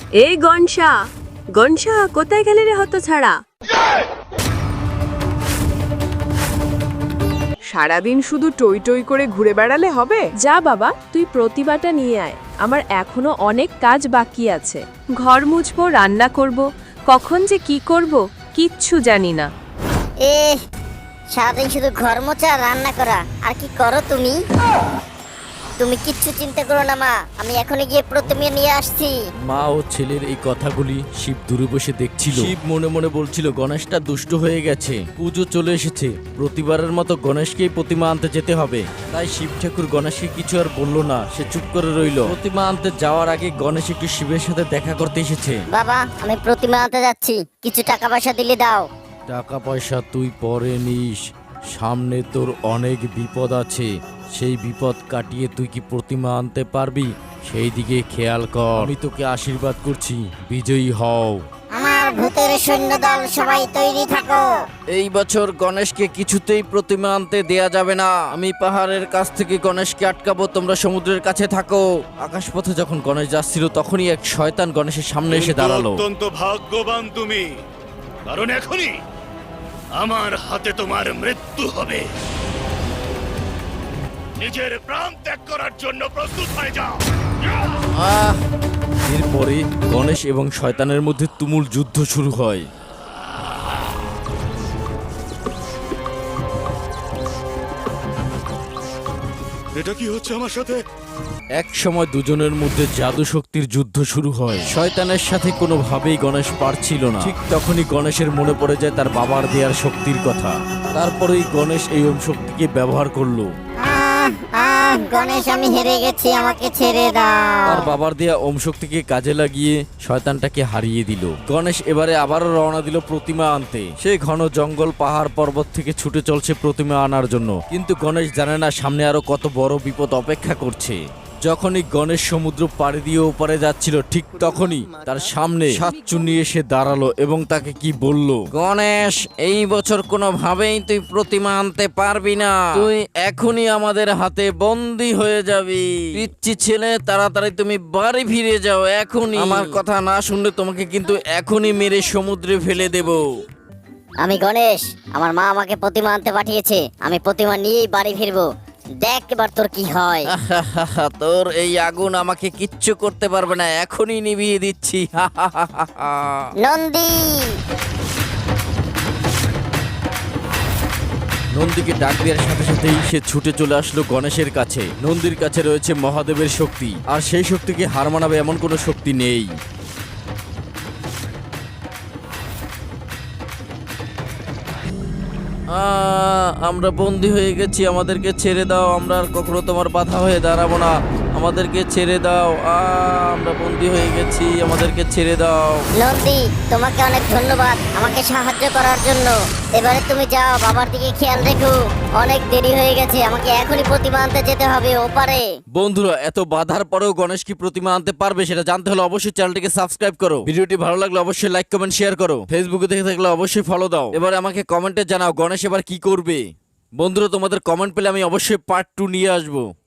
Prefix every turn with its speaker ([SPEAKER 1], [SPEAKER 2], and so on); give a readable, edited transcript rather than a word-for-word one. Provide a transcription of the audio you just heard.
[SPEAKER 1] এই গনশা, গনশা কোথায় গেলে রে হতছাড়া?
[SPEAKER 2] সারাদিন শুধু টই টই করে ঘুরে বেড়ালে হবে?
[SPEAKER 3] যা বাবা, তুই প্রতিভাটা নিয়ে আয়, আমার এখনো অনেক কাজ বাকি আছে।
[SPEAKER 1] ঘর মুছবো, রান্না করব, কখন যে কি করব কিচ্ছু জানি না।
[SPEAKER 4] সারাদিন শুধু ঘর মোছা রান্না করা, আর কি করো তুমি? তুমি কিচ্ছু চিন্তা করো না মা, আমি এখনই গিয়ে প্রতিমা নিয়ে আসছি।
[SPEAKER 5] মা ও ছেলের এই কথাগুলি শিব দূরে বসে দেখছিল। শিব মনে মনে বলছিল গণেশটা দুষ্ট হয়ে গেছে, পুজো চলে এসেছে, প্রতিবারের মতো গণেশকেই প্রতিমা আনতে যেতে হবে। তাই শিব ঠাকুর গণেশকে কিছু আর বলল না, সে চুপ করে রইল। প্রতিমা আনতে যাওয়ার আগে গণেশ একটু শিবের সাথে দেখা করতে এসেছে।
[SPEAKER 4] বাবা, আমি প্রতিমা আনতে যাচ্ছি, কিছু টাকা পয়সা দিলে দাও।
[SPEAKER 5] টাকা পয়সা তুই পরে নিস, সামনে তোর অনেক বিপদ আছে, সেই বিপদ কাটিয়ে তুই কি প্রতিমা আনতে পারবি সেই দিকে খেয়াল কর। আমি তোকে আশীর্বাদ করছি, বিজয়ী হও।
[SPEAKER 4] আমার ভূতের সৈন্যদল সবাই তৈরি থাকো।
[SPEAKER 5] এই বছর গণেশকে কিছুতেই প্রতিমা আনতে দেয়া যাবে না। আমি পাহাড়ের কাছ থেকে গণেশকে আটকাবো, তোমরা সমুদ্রের কাছে থাকো। আকাশপথে যখন গণেশ যাচ্ছিল তখনই এক শয়তান গণেশের সামনে এসে দাঁড়ালো।
[SPEAKER 6] অত্যন্ত ভাগ্যবান তুমি, কারণ এখনই আমার হাতে তোমার মৃত্যু হবে। নিজের প্রাণ ত্যাগ করার জন্য প্রস্তুত হয়ে যাও।
[SPEAKER 5] এরপরে গণেশ এবং শয়তানের মধ্যে তুমুল যুদ্ধ শুরু হয়।
[SPEAKER 6] এটা কি হচ্ছে আমার সাথে?
[SPEAKER 5] এক সময় দুজনের মধ্যে জাদু শক্তির যুদ্ধ শুরু হয়। শয়তানের সাথে কোনোভাবেই গণেশ পারছিল না। ঠিক তখনই গণেশের মনে পড়ে যায় তার বাবার দেয়ার শক্তির কথা। তারপরেই গণেশ এই ওম শক্তিকে ব্যবহার করলো।
[SPEAKER 4] গণেশ, আমি হেরে গেছি, আমাকে ছেড়ে দাও।
[SPEAKER 5] তার বাবার দেয়া ওম শক্তিকে কাজে লাগিয়ে শয়তানটাকে হারিয়ে দিল। গণেশ এবারে আবারও রওনা দিল প্রতিমা আনতে। সে ঘন জঙ্গল, পাহাড়, পর্বত থেকে ছুটে চলছে প্রতিমা আনার জন্য। কিন্তু গণেশ জানে না সামনে আরো কত বড় বিপদ অপেক্ষা করছে। যখনই গণেশ সমুদ্র পাড়ি দিয়ে ওপারে যাচ্ছিল, ঠিক তখনই তার সামনে সাতচুন্নি এসে দাঁড়ালো এবং তাকে কি বলল? গণেশ, এই বছর কোনোভাবেই তুই প্রতিমা আনতে পারবি না। তুই এখনই আমাদের হাতে বন্দী হয়ে যাবি। পিচ্চি ছেলে, তাড়াতাড়ি তুমি বাড়ি ফিরে যাও এখনই। আমার কথা না শুনলে তোমাকে কিন্তু এখনই মেরে সমুদ্রে ফেলে দেব।
[SPEAKER 4] আমি গণেশ, আমার মা আমাকে প্রতিমা আনতে পাঠিয়েছে, আমি প্রতিমা নিয়েই বাড়ি ফিরবো। দেখ এবার তোর কি হয়।
[SPEAKER 5] তোর এই আগুন আমাকে কিচ্ছু করতে পারবে না, এখনই নিভিয়ে দিচ্ছি।
[SPEAKER 4] নন্দী!
[SPEAKER 5] নন্দীকে ডাক দেওয়ার সাথে সাথেই সে ছুটে চলে আসলো গণেশের কাছে। নন্দীর কাছে রয়েছে মহাদেবের শক্তি, আর সেই শক্তিকে হার মানাবে এমন কোনো শক্তি নেই। আমরা বন্দী হয়ে গেছি, আমাদেরকে ছেড়ে দাও। আমরা আর কখনো তোমার বাধা হয়ে দাঁড়াবো না, আমাদেরকে ছেড়ে দাও। আমরা বন্দী হয়ে গেছি, আমাদেরকে ছেড়ে দাও।
[SPEAKER 4] নন্দী, তোমাকে অনেক ধন্যবাদ আমাকে সাহায্য করার জন্য। এবারে তুমি যাও, বাবার দিকে খেয়াল রেখো। অনেক দেরি হয়ে গেছে, আমাকে এখনই প্রতিমা আনতে যেতে হবে ওপারে।
[SPEAKER 5] বন্ধুরা, এত বাধার পরেও গণেশ কি প্রতিমা আনতে পারবে সেটা জানতে হলে অবশ্যই চ্যানেলটিকে সাবস্ক্রাইব করো। ভিডিওটি ভালো লাগলে অবশ্যই লাইক, কমেন্ট, শেয়ার করো। ফেসবুকে দেখে থাকলে অবশ্যই ফলো দাও। এবার আমাকে কমেন্টে জানাও গণেশ এবার কি করবে। বন্ধুরা, তোমাদের কমেন্ট পেলে আমি অবশ্যই পার্ট 2 নিয়ে আসবো।